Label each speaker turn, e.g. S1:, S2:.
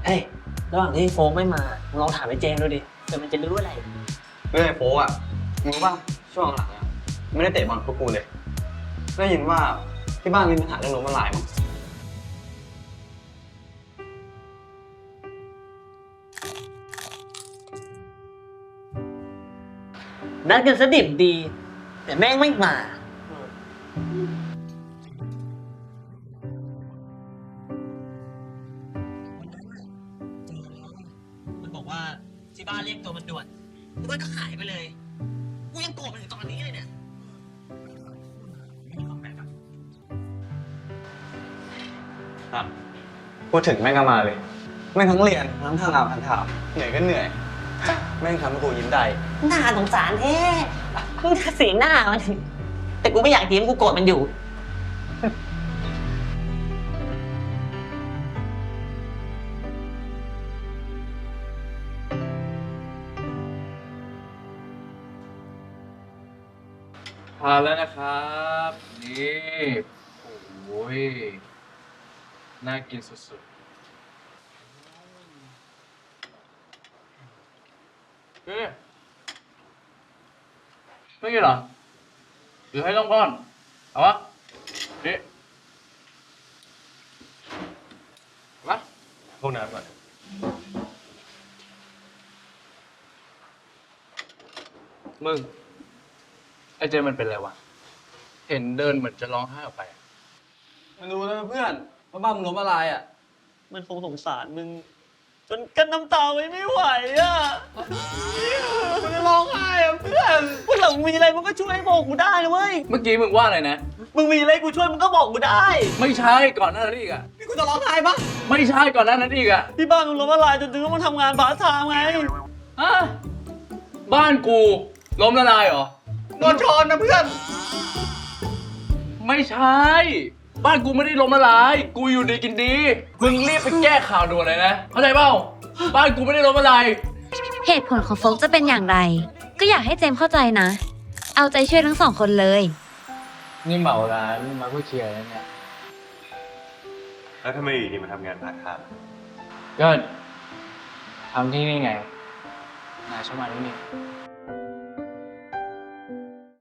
S1: เฮ้ยระหว่างที่โฟกไม่มาลองถามไอ้เจมดูดิเดี๋ยวมันจะรู้อะไร
S2: เรื่องไอ้โป๊ะมึงรู้ป่ะช่วงหลังไม่ได้เตะบอลพวกกูเลยได้ยินว่าที่บ้านมีปัญหาเรื่องล้มละลายมั้ง
S1: นัดกันซะดิบดีแต่แม่งไม่มามันบอกว่าที่บ้านเรียกตัวมันด่วนแล้วมันก็หายไปเลยกูยังโกรธมันถึงตอนนี้เลยเนี่ย
S2: ครับพูดถึงแม่งก็มาเลยแม่งทั้งเรียนทั้งทำงานทั้งถามเหนื่อยก็เหนื่อยแม่งทำให้กูยิ้มได้
S1: น่าสงสารแท้มึงจะสีหน้ามันแต่กูไม่อยากยิ้มกูโกรธมันอยู่
S3: ทานแล้วนะครับนี่โอ้ยน่ากินสุดๆเฮ้ยไม่กินเหรอหรือให้ต้องก้อนเอาวะนี่มา
S2: พวกน้ำก่อน
S3: มึงไอ้เจมันเป็นอะไรวะเห็นเดินเหมือนจะร้องไห้ออกไปอะ
S2: มาดูนะเพื่อนว่าบ้านมึงล้มละลายอ่ะ
S1: มันคงสงสารมึงจนกั้นน้ำตาไว้ไม่ไหวอ่ะมันจะร้องไห้อ่ะเพื่อนพวกหลังมีอะไรมึงก็ช่วยบอกกูได้นะเว้ย
S3: เมื่อกี้มึงว่าอะไรนะ
S1: มึงมีอะไรกูช่วยมึงก็บอกกูได้
S3: ไม่ใช่ก่อนหน้านั้นอีกอะ
S1: นี่กูจะร้องไห้ปะ
S3: ไม่ใช่ก่อนหน้านั้นอีกอะ
S1: ที่บ้านมึงล้มละลายจนถึงต้องมาทำงานพาร์ทไทม์ไง
S3: ฮะบ้านกูล้มละลายเหรอ
S1: โดนชนนะเพื่อน
S3: ไม่ใช่ บ้านกูไม่ได้ล้มละลาย กูอยู่ดีกินดี มึงรีบไปแก้ข่าวด่วนเลยนะ เข้าใจเปล่า บ้านกูไม่ได้ล้มละลาย
S4: เหตุผลของโฟกจะเป็นอย่างไร ก็อยากให้เจมส์เข้าใจนะ เอาใจช่วยทั้งสองคนเลย
S3: นี่เหมาร้านมาเพื่อเคลียร์แล้วเนี่ย
S5: แล้วทำไมอยู่ดีมาทำงานพาร์ทไทม์
S3: ก็ทำที่นี่ไงนายชอบมาที่นี่